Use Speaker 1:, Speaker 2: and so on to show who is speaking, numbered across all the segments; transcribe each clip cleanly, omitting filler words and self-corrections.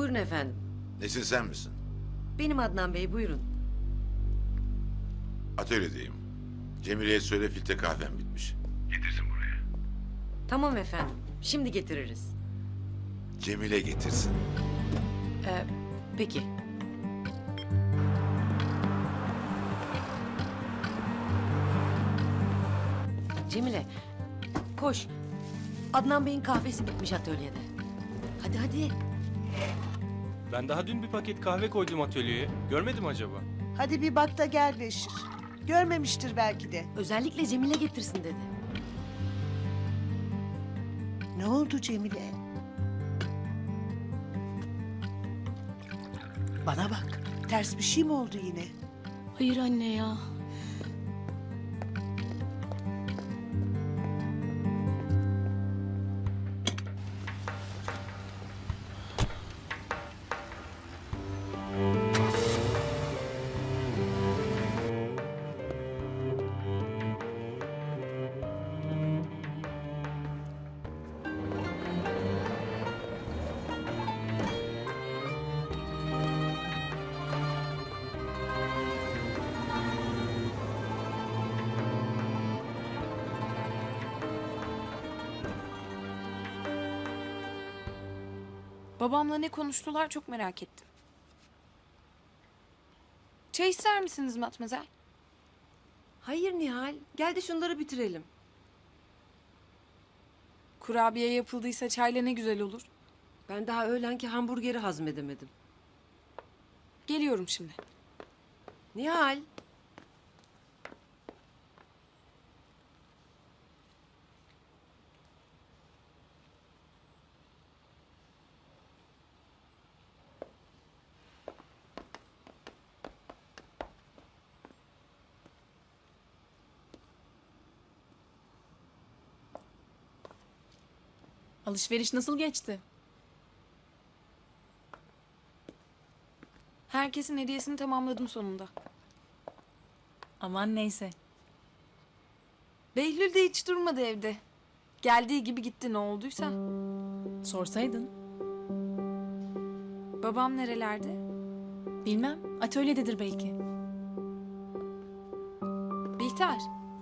Speaker 1: Buyurun efendim.
Speaker 2: Nesin, sen misin?
Speaker 1: Benim Adnan Bey, buyurun.
Speaker 2: Atölyedeyim. Cemile'ye söyle, filtre kahvem bitmiş. Getirsin buraya.
Speaker 1: Tamam efendim. Şimdi getiririz.
Speaker 2: Cemile getirsin.
Speaker 1: Peki. Cemile, koş. Adnan Bey'in kahvesi bitmiş atölyede. Hadi hadi.
Speaker 3: Ben daha dün bir paket kahve koydum atölyeye. Görmedim acaba?
Speaker 4: Hadi bir bak da gel Beşir. Görmemiştir belki de.
Speaker 1: Özellikle Cemile getirsin dedi.
Speaker 4: Ne oldu Cemile? Bana bak. Ters bir şey mi oldu yine?
Speaker 5: Hayır anne ya.
Speaker 6: Babamla ne konuştular çok merak ettim. Çay ister misiniz Matmazel?
Speaker 1: Hayır Nihal, gel de şunları bitirelim.
Speaker 6: Kurabiye yapıldıysa çayla ne güzel olur.
Speaker 1: Ben daha öğlenki hamburgeri hazmedemedim.
Speaker 6: Geliyorum şimdi.
Speaker 1: Nihal.
Speaker 5: Alışveriş nasıl geçti?
Speaker 6: Herkesin hediyesini tamamladım sonunda.
Speaker 5: Aman neyse.
Speaker 6: Behlül de hiç durmadı evde. Geldiği gibi gitti ne olduysa.
Speaker 5: Sorsaydın.
Speaker 6: Babam nerelerde?
Speaker 5: Bilmem. Atölyededir belki.
Speaker 6: Bihter.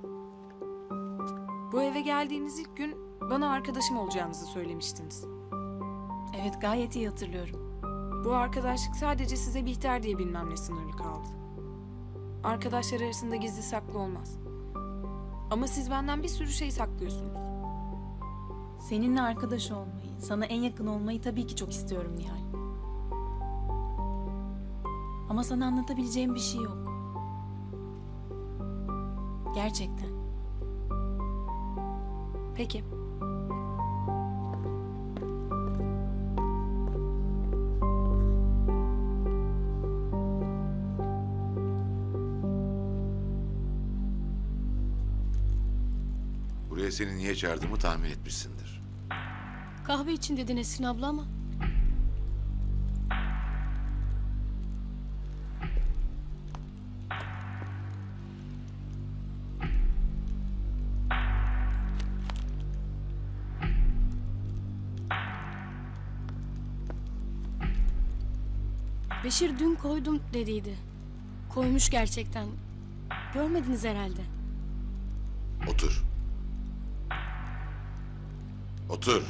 Speaker 6: Bu eve geldiğiniz ilk gün bana arkadaşım olacağınızı söylemiştiniz.
Speaker 5: Evet, gayet iyi hatırlıyorum.
Speaker 6: Bu arkadaşlık sadece size Bihter diye bilmem ne sınırlı kaldı. Arkadaşlar arasında gizli saklı olmaz. Ama siz benden bir sürü şey saklıyorsunuz.
Speaker 5: Seninle arkadaş olmayı, sana en yakın olmayı tabii ki çok istiyorum Nihal. Ama sana anlatabileceğim bir şey yok. Gerçekten.
Speaker 6: Peki.
Speaker 2: Buraya seni niye çağırdığımı tahmin etmişsindir.
Speaker 5: Kahve için dedi Nesrin abla ama. Beşir dün koydum dediydi. Koymuş gerçekten. Görmediniz herhalde.
Speaker 2: Otur. Otur.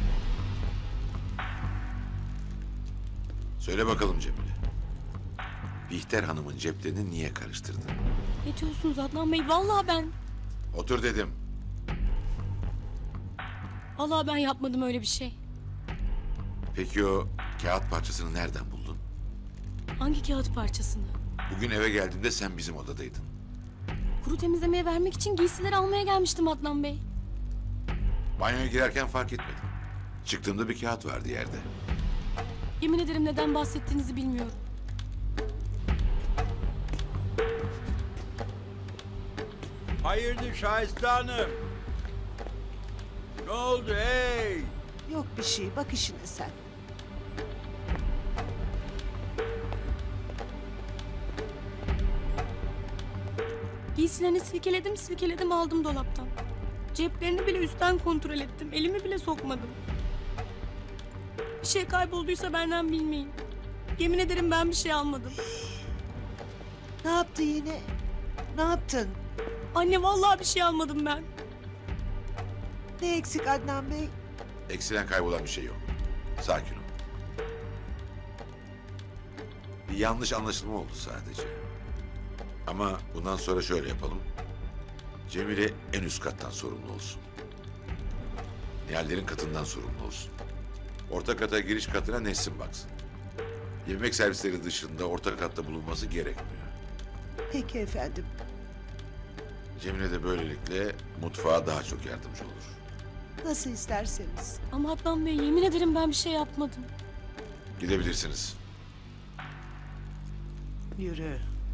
Speaker 2: Söyle bakalım Cemile. Bihter Hanım'ın ceplerini niye karıştırdın?
Speaker 5: Ne diyorsunuz Adnan Bey? Vallahi ben.
Speaker 2: Otur dedim.
Speaker 5: Vallahi ben yapmadım öyle bir şey.
Speaker 2: Peki o kağıt parçasını nereden buldun?
Speaker 5: Hangi kağıt parçasını?
Speaker 2: Bugün eve geldiğimde sen bizim odadaydın.
Speaker 5: Kuru temizlemeye vermek için giysileri almaya gelmiştim Adnan Bey.
Speaker 2: Banyoya girerken fark etmedim. Çıktığımda bir kağıt vardı yerde.
Speaker 5: Yemin ederim neden bahsettiğinizi bilmiyorum.
Speaker 7: Hayırdır Şahiste Hanım? Ne oldu hey?
Speaker 4: Yok bir şey. Bak işine sen.
Speaker 5: Giysilerini silkeledim aldım dolaptan. Ceplerini bile üstten kontrol ettim. Elimi bile sokmadım.
Speaker 8: Bir şey kaybolduysa benden bilmeyin. Yemin ederim ben bir şey almadım.
Speaker 4: Ne yaptı yine? Ne yaptın?
Speaker 8: Anne vallahi bir şey almadım ben.
Speaker 4: Ne eksik Adnan Bey?
Speaker 2: Eksilen kaybolan bir şey yok. Sakin ol. Bir yanlış anlaşılma oldu sadece. Ama bundan sonra şöyle yapalım. Cemile en üst kattan sorumlu olsun. Nihallerin katından sorumlu olsun. Orta kata giriş katına Nesrin baksın. Yemek servisleri dışında orta katta bulunması gerekmiyor.
Speaker 4: Peki efendim.
Speaker 2: Cemile de böylelikle mutfağa daha çok yardımcı olur.
Speaker 4: Nasıl isterseniz.
Speaker 8: Ama Adnan Bey yemin ederim ben bir şey yapmadım.
Speaker 2: Gidebilirsiniz.
Speaker 4: Yürü.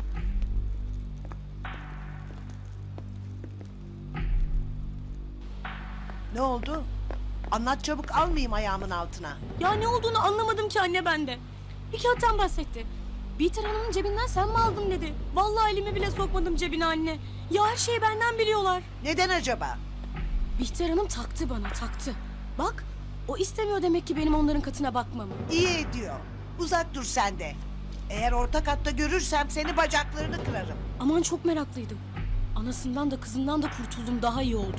Speaker 4: Ne oldu? Anlat çabuk, almayayım ayağımın altına.
Speaker 8: Ya ne olduğunu anlamadım ki anne bende. Bir kağıttan bahsetti. Bihter Hanım'ın cebinden sen mi aldın dedi. Vallahi elimi bile sokmadım cebine anne. Ya her şeyi benden biliyorlar.
Speaker 4: Neden acaba?
Speaker 8: Bihter Hanım taktı bana taktı. Bak o istemiyor demek ki benim onların katına bakmamı.
Speaker 4: İyi ediyor. Uzak dur sen de. Eğer orta katta görürsem seni bacaklarını kırarım.
Speaker 8: Aman çok meraklıydım. Anasından da kızından da kurtuldum daha iyi oldum.